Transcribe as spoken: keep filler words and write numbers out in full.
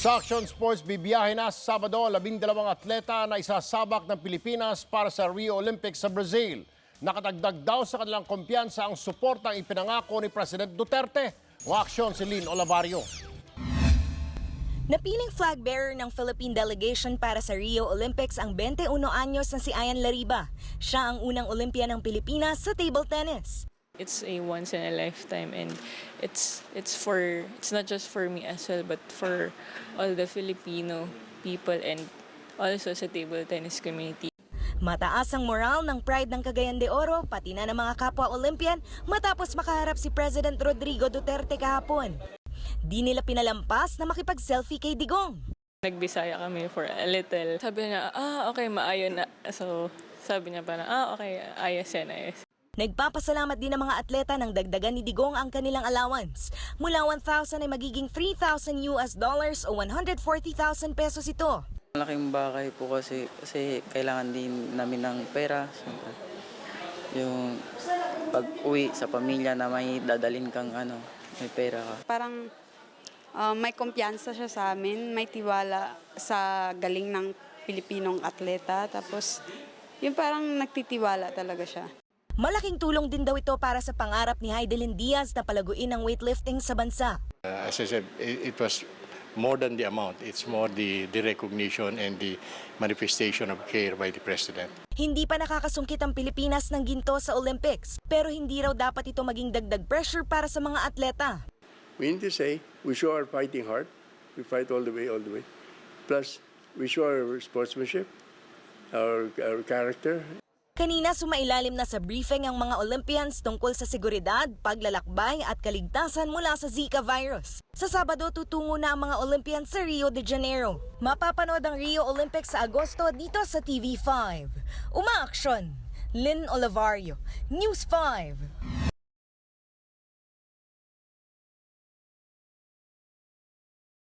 Sa Action Sports, bibiyahe na sa Sabado, labing dalawang atleta na isasabak ng Pilipinas para sa Rio Olympics sa Brazil. Nakatagdag daw sa kanilang kumpiyansa ang suportang ipinangako ni President Duterte. Ang aksyon si Lynn Olavario. Napiling flag bearer ng Philippine delegation para sa Rio Olympics ang twenty-one anyos na si Ian Lariba. Siya ang unang Olympian ng Pilipinas sa table tennis. It's a once in a lifetime, and it's it's for it's not just for me as well, but for all the Filipino people and also sa table tennis community. Mataas ang moral ng Pride ng Cagayan de Oro, pati na ng mga kapwa Olympian matapos makaharap si President Rodrigo Duterte kahapon. Di nila pinalampas na makipag-selfie kay Digong. Nagbisaya kami for a little. Sabi niya, ah, okay, maayo na. So, sabi niya parang, ah, okay, ayos yan, ayos. Nagpapasalamat din ang mga atleta ng dagdagan ni Digong ang kanilang allowance. Mula one thousand ay magiging three thousand U S dollars o one hundred forty thousand pesos ito. Malaking bagay po kasi kasi kailangan din namin ng pera. Siyempre, yung pag-uwi sa pamilya na may dadalhin kang ano, may pera ka. Parang uh, may kumpiyansa siya sa amin, may tiwala sa galing ng Pilipinong atleta. Tapos yung parang nagtitiwala talaga siya. Malaking tulong din daw ito para sa pangarap ni Heidelin Diaz na palaguin ang weightlifting sa bansa. Uh, as I said, it, it was more than the amount. It's more the, the recognition and the manifestation of care by the President. Hindi pa nakakasungkit ang Pilipinas ng ginto sa Olympics, pero hindi raw dapat ito maging dagdag pressure para sa mga atleta. We need to say, we show our fighting heart. We fight all the way, all the way. Plus, we show our sportsmanship, our, our character. Kanina sumailalim na sa briefing ang mga Olympians tungkol sa seguridad, paglalakbay at kaligtasan mula sa Zika virus. Sa Sabado, tutungo na ang mga Olympians sa Rio de Janeiro. Mapapanood ang Rio Olympics sa Agosto dito sa T V five. Umaaksyon! Lynn Olavario, News five.